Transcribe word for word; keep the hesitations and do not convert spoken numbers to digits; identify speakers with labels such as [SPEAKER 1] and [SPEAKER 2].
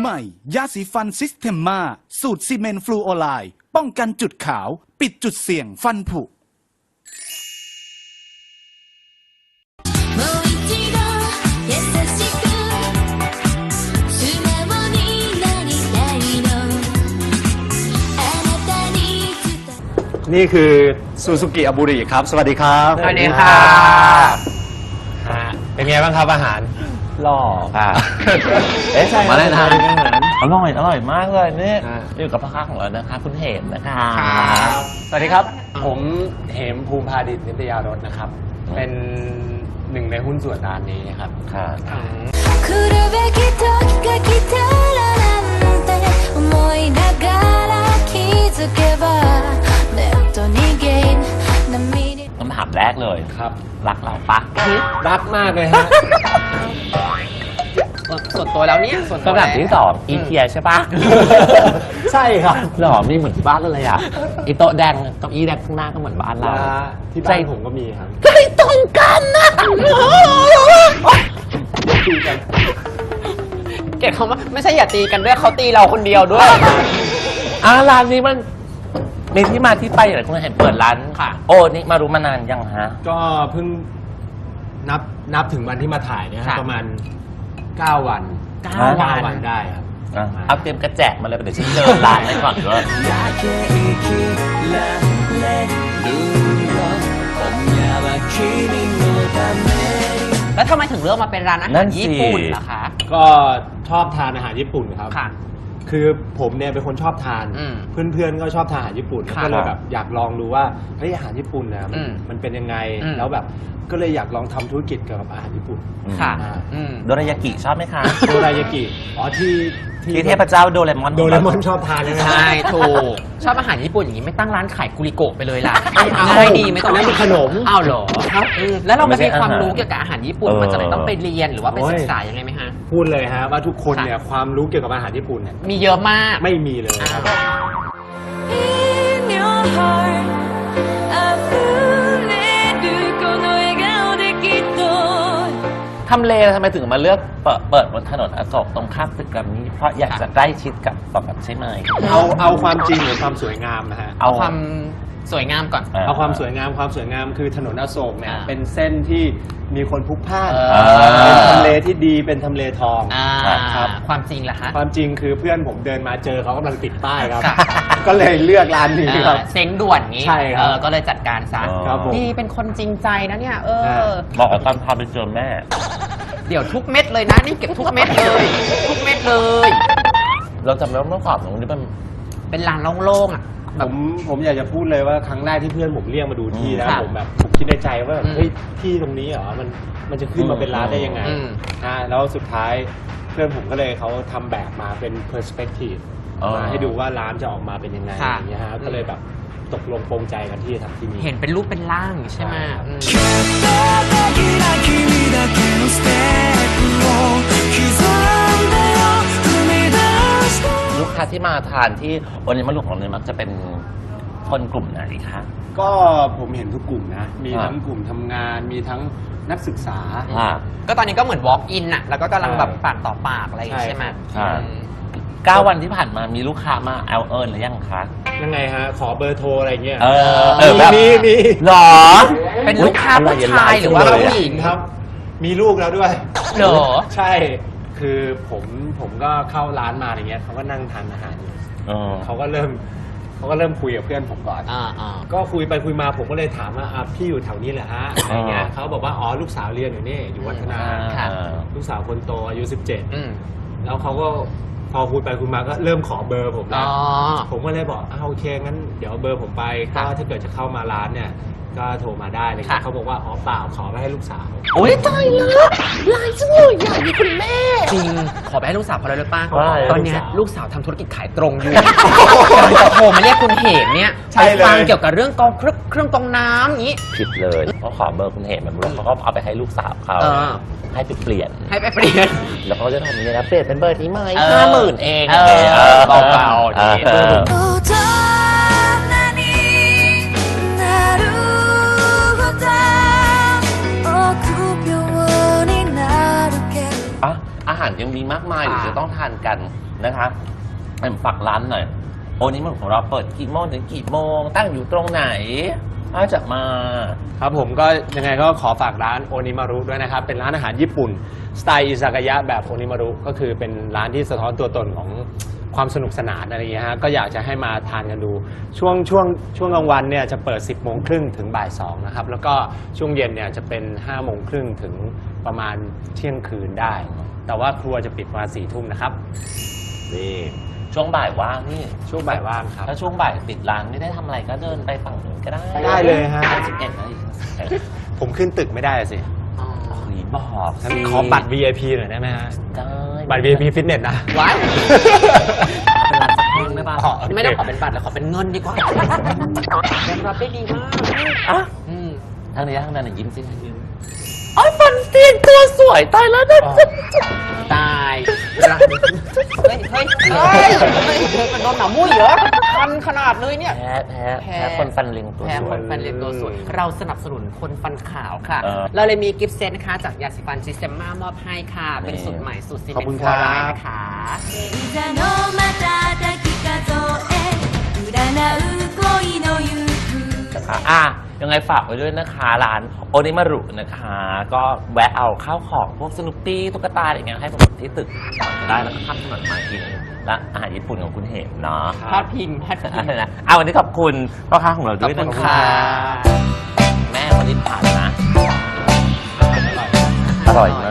[SPEAKER 1] ม่ ยาสีฟันซิสเทมมาสูตรซีเมนต์ฟลูออไรด์ป้องกันจุดขาวปิดจุดเสี่ยงฟันผุ
[SPEAKER 2] นี่คือซูซูกิอาบุริครับสวัสดีครับ
[SPEAKER 3] สวัสดีค่ะ
[SPEAKER 2] เป็นไงบ้างครับอาหาร
[SPEAKER 3] หล่อค่ะ
[SPEAKER 2] เอ๊ะใช่มาแล้วนะ
[SPEAKER 3] อร่อยอร่อยมากเลยนี่อยู่กับพ่อค้าของเรานะคะคุณเหมนะคะ
[SPEAKER 2] สวัสดีครับผมเหมภูมิพาดิษฐ์นิตยารสนะครับเป็นหนึ่งในหุ้นส่วนร้านนี้ครับค่ะ
[SPEAKER 3] คำถามแรกเลยครับรักเราปะ
[SPEAKER 2] รักมากเลยฮะ
[SPEAKER 4] ส่วนตัวแล้วเนี่ยส่วนตัว
[SPEAKER 3] คำถามที่สองอีเทียใช่ปะ
[SPEAKER 2] ใช่ครับ
[SPEAKER 3] หล่อมีเหมือนบ้านเลยอ่ะอีโต๊ะแดงเก้าอี้แดงข้างหน้าก็เหมือนบ้านเรา
[SPEAKER 2] ที่บ้านผมก็มีครับ
[SPEAKER 3] ใกล้ตรงกันนะ
[SPEAKER 2] ตีกัน
[SPEAKER 4] เกลียดเขาว่าไม่ใช่อย่าตีกันด้วยเขาตีเราคนเดียวด้วย
[SPEAKER 3] อ่าร้านนี้มันมีที่มาที่ไปอะไรคุณเห็นเปิดร้านค่ะโอ้นี่มารู้มานานยังฮะ
[SPEAKER 2] ก็เพิ่งนับนับถึงวันที่มาถ่ายเนี่ยประมาณเก้าวันเก้าวันได้ครับ
[SPEAKER 3] เอาเตรียมกระแจกมาเลยเดี๋ยวฉันเดินร้านให้ก่อนด้วย
[SPEAKER 4] แล้วทำไมถึงเลือกมาเป็นร้านอาหารญี่ปุ่นล่ะคะ
[SPEAKER 2] ก็ชอบทานอาหารญี่ปุ่นครับ
[SPEAKER 4] ค่ะ
[SPEAKER 2] คือผมเนี่ยเป็นคนชอบทานเพื่อนๆก็ชอบทานอาหารญี่ปุ่นก็เลยแบบอยากลองดูว่าเฮ้ยอาหารญี่ปุ่นนะมันมันเป็นยังไงแล้วแบบก็เลยอยากลองทำธุรกิจเกี่ยวกับอาหารญี่ปุ่น
[SPEAKER 4] ค่ะ
[SPEAKER 3] โดรายากิชอบไหมคะ
[SPEAKER 2] โดรายากิอ๋อที่
[SPEAKER 3] ที่เทพเจ้าโดเรมอน
[SPEAKER 2] โดเรมอนชอบทานใช่ไหม
[SPEAKER 4] ใช่ถูกชอบอาหารญี่ปุ่นอย่างนี้ไม่ตั้งร้านขายกุริโกะไปเลยล่ะง่ายดีไม่ต้อง
[SPEAKER 2] นั่นเป็นขนม
[SPEAKER 4] อ้าวเหรอครับแล้วเราไม่มีความรู้เกี่ยวกับอาหารญี่ปุ่นมันจะต้องไปเรียนหรือว่าไปศึกษายังไงไหมฮะ
[SPEAKER 2] พูดเลยฮะว่าทุกคนเนี่ยความรู้เกี่ยวกับอาหารญี่ปุ่นเนี่ย
[SPEAKER 4] มีเยอะมาก
[SPEAKER 2] ไม่มีเลยครับ
[SPEAKER 3] ทำเลทำไมถึงมาเลือกเปิดบนถนนอโศกตรงข้ามตึกแกรมมี่เพราะอยากจะใกล้ชิดกับแบบใช่ไหม
[SPEAKER 2] เอาเอาความจริงหรือความสวยงามนะฮะ
[SPEAKER 4] เอาความสวยงามก่อน
[SPEAKER 2] เอาความสวยงามความสวยงามคือถนนอโศกเนี่ยเป็นเส้นที่มีคนพลุกพล่านเป็นทำเลที่ดีเป็นทำเลทอง
[SPEAKER 4] ครับความจริงล่ะฮะ
[SPEAKER 2] ความจริงคือเพื่อนผมเดินมาเจอเขากำลังติดป้ายครับก็เลยเลือกร้านนี้ครับ
[SPEAKER 4] เซ็งด่วนงี้
[SPEAKER 2] ใช่ครับ
[SPEAKER 4] ก็เลยจัดการซะดีเป็นคนจริงใจนะเนี่ยเออ
[SPEAKER 3] บอกตอนพาไปเจอแม่
[SPEAKER 4] เดี๋ยวทุกเม็ดเลยนะนี่เก็บทุกเม็ดเลยทุกเม็ดเลย
[SPEAKER 3] เราจำได้ว่าเมื่อก่อนตรงนี้มัน
[SPEAKER 4] เป็นลานโล่งๆอ่ะ
[SPEAKER 2] ผมผมอยากจะพูดเลยว่าครั้งแรกที่เพื่อนผมเรียกมาดูที่แล้วผมแบบผมคิดในใจว่าเฮ้ยที่ตรงนี้เหรอมันมันจะขึ้นมาเป็นร้านได้ยังไงนะแล้วสุดท้ายเพื่อนผมก็เลยเขาทำแบบมาเป็น perspective มาให้ดูว่าร้านจะออกมาเป็นยังไงอย่างเงี้ยฮะก็เลยแบบตกลงปรงใจกันที่จะทำที่นี่
[SPEAKER 4] เห็นเป็นรูปเป็นร่างใช่ไหม
[SPEAKER 3] ลูกค้าที่มาทานที่วันนี้มาลุกของเนี่ยมักจะเป็นคนกลุ่มไหนคะ
[SPEAKER 2] ก็ผมเห็นทุกกลุ่มนะมีทั้งกลุ่มทำงานมีทั้งนักศึกษา
[SPEAKER 4] ก็ตอนนี้ก็เหมือน walk in น่ะแล้วก็กำลังแบบปากต่อปากอะไรใช่ไหม
[SPEAKER 3] เก้าวันที่ผ่านมามีลูกค้ามาแอลเอิร์นหรือยังคะ
[SPEAKER 2] ยังไงฮะขอเบอร์โทรอะไรเงี้ย
[SPEAKER 3] เออ
[SPEAKER 2] มีมี
[SPEAKER 3] หรอ
[SPEAKER 4] เป็นลูกค้าผู้ชายหรือว่าผู้หญิง
[SPEAKER 2] ครับมีลูกแล้วด้วย
[SPEAKER 4] เหรอ
[SPEAKER 2] ใช่คือผมผมก็เข้าร้านมาอย่างเงี้ยเขาก็นั่งทานอาหารอยู่เขาก็เริ่มเขาก็เริ่มคุยกับเพื่อนผมก่อนก็คุยไปคุยมาผมก็เลยถามว่าพี่อยู่แถวนี้แหละฮะอะไรเงี้ยเขาบอกว่าอ๋อลูกสาวเรียนอยู่นี่อยู่วัฒนาลูกสาวคนโตอายุสิบเจ็ดแล้วเขาก็พอคุยไปคุยมาก็เริ่มขอเบอร์ผมแล้วผมก็เลยบอกอ้าวโอเคงั้นเดี๋ยวเบอร์ผมไปก็ถ้าเกิดจะเข้ามาร้านเนี่ยก็โทรมาได้เลยเขาบอกว่าอ๋อเปล่าขอไปให้ลูกสาว
[SPEAKER 3] โอ้ยตายแล้วลายจังเลยใหญ่คุณแม่
[SPEAKER 4] จริงขอไปให้ลูกสาวเพราะอะไรรู้ป่ะตอนนี้ลูกสาวทำธุรกิจขายตรงอยู่จะโทรมาเรียกคุณเหมเนี่ยไปฟังเกี่ยวกับเรื่องกองเครื่องเครื่องกองน้ำอย่างนี้
[SPEAKER 3] ผิดเลยเขาขอเบอร์คุณเหมแบบนี้เขาก็เอาไปให้ลูกสาวเขาให้ไปเปลี่ยน
[SPEAKER 4] ให้ไปเปลี่ยน
[SPEAKER 3] แล้วเขาจะทำยังไงนะเปลี่ยนเป็นเบอร์นี้ไหมห้าหมื่นเอง
[SPEAKER 4] เบาๆ
[SPEAKER 3] อาหารยังมีมากมายเดี๋ยวจะต้องทานกันนะคะเอ็มฝากร้านหน่อยโอนิมารุของเราเปิดกี่โมงถึงกี่โมงตั้งอยู่ตรงไหนถ้าจะมา
[SPEAKER 2] ครับผมก็ยังไงก็ขอฝากร้านโอนิมารุด้วยนะครับ เป็นร้านอาหารญี่ปุ่นสไตล์อิซากายะแบบโอนิมารุก็คือเป็นร้านที่สะท้อนตัวตนของความสนุกสนานอะไรอย่างเงี้ยฮะก็อยากจะให้มาทานกันดูช่วงช่วงช่วงกลางวันเนี่ยจะเปิด สิบโมงครึ่งถึงบ่ายสองนะครับแล้วก็ช่วงเย็นเนี่ยจะเป็น ห้าโมงครึ่งถึงประมาณเที่ยงคืนได้ แต่ว่าครัวจะปิดประมาณสี่ทุ่มนะครับนี่
[SPEAKER 3] ช่วงบ่ายว่างนี่
[SPEAKER 2] ช่วงบ่ายว่างครับ
[SPEAKER 3] ถ้าช่วงบ่ายปิดร้านไม่ได้ทำอะไรก็เดินไปฝั่งนู้นก็ได้
[SPEAKER 2] ได้เลยฮะ
[SPEAKER 3] สิบเอ็ดนาฬิกา
[SPEAKER 2] ผมขึ้นตึกไม่ได้สิ
[SPEAKER 3] หนีบอก
[SPEAKER 2] งั้นขอบัตร วี ไอ พี หน่อยได้ไหมฮะ
[SPEAKER 3] ได้
[SPEAKER 2] บัตร วี ไอ พี ฟิตเนสนะ
[SPEAKER 4] ว้าย
[SPEAKER 3] เป็นร้านสักครึ่งได้ป่ะ
[SPEAKER 2] อ๋อ โเค
[SPEAKER 4] ไม่ต้องขอเป็นบัตรแล้วขอเป็นเงินดีกว่าแบงค์รับได้ดีมาก
[SPEAKER 3] อ่ะ
[SPEAKER 4] อืม
[SPEAKER 3] ทางนี้ทางนั้นน่ะยิ้มสิยิ้มไอ้ยฟันเตียนตัวสวยตายแล้วนะ
[SPEAKER 4] ตายเฮ้ยเฮ้ยเฮ้ยเฮ้ยเธอเป็นโดนหมามุ้ยเหรอคันขนาดเลยเนี่ย
[SPEAKER 3] แพ้แพ้
[SPEAKER 4] แพ้
[SPEAKER 3] แพ้คนฟันเล็งตัว
[SPEAKER 4] แพ้
[SPEAKER 3] ส
[SPEAKER 4] ค
[SPEAKER 3] วย
[SPEAKER 4] นฟันเรียนตัวสวย เราสนับสนุนคนฟันขาวค่ะ
[SPEAKER 3] เออ
[SPEAKER 4] เราเลยมีกิฟต์เซตนะคะ จากยาสีฟันซิสเตมมามอบให้ค่ะ เป็น
[SPEAKER 3] นี่
[SPEAKER 4] สูตรใหม่สูตรซี
[SPEAKER 2] ขอบ
[SPEAKER 4] เม
[SPEAKER 2] คุ
[SPEAKER 4] น
[SPEAKER 2] ณ
[SPEAKER 4] ต์
[SPEAKER 2] ค
[SPEAKER 4] ฟ
[SPEAKER 2] รั
[SPEAKER 4] อบ ร์ไลน์นะคะ
[SPEAKER 5] 座の瞬き数え占う恋の行方
[SPEAKER 3] นะคะอ่ะยังไงฝากไว้ด้วยนะคะร้านโอนิมารุนะคะ ก็แวะเอาข้าวของพวกสนุปปี้ตุ๊กตาอะไรอย่างเงี้ยให้ผมที่ตึกได้แล้วก็ข้ามถนนมากินและอาหารญี่ปุ่นของคุณเหมเนาะ
[SPEAKER 4] พาดพิงพาดพิง
[SPEAKER 3] อะไรนะเอาวันนี้ขอบคุณพ่อค้าของเรา
[SPEAKER 4] ขอบ
[SPEAKER 3] ด้วย
[SPEAKER 4] คุ
[SPEAKER 3] นะ
[SPEAKER 4] ณ
[SPEAKER 3] คะ
[SPEAKER 4] ค่ะ
[SPEAKER 3] แม่คนที่ผ่านนะ อร่อยมาก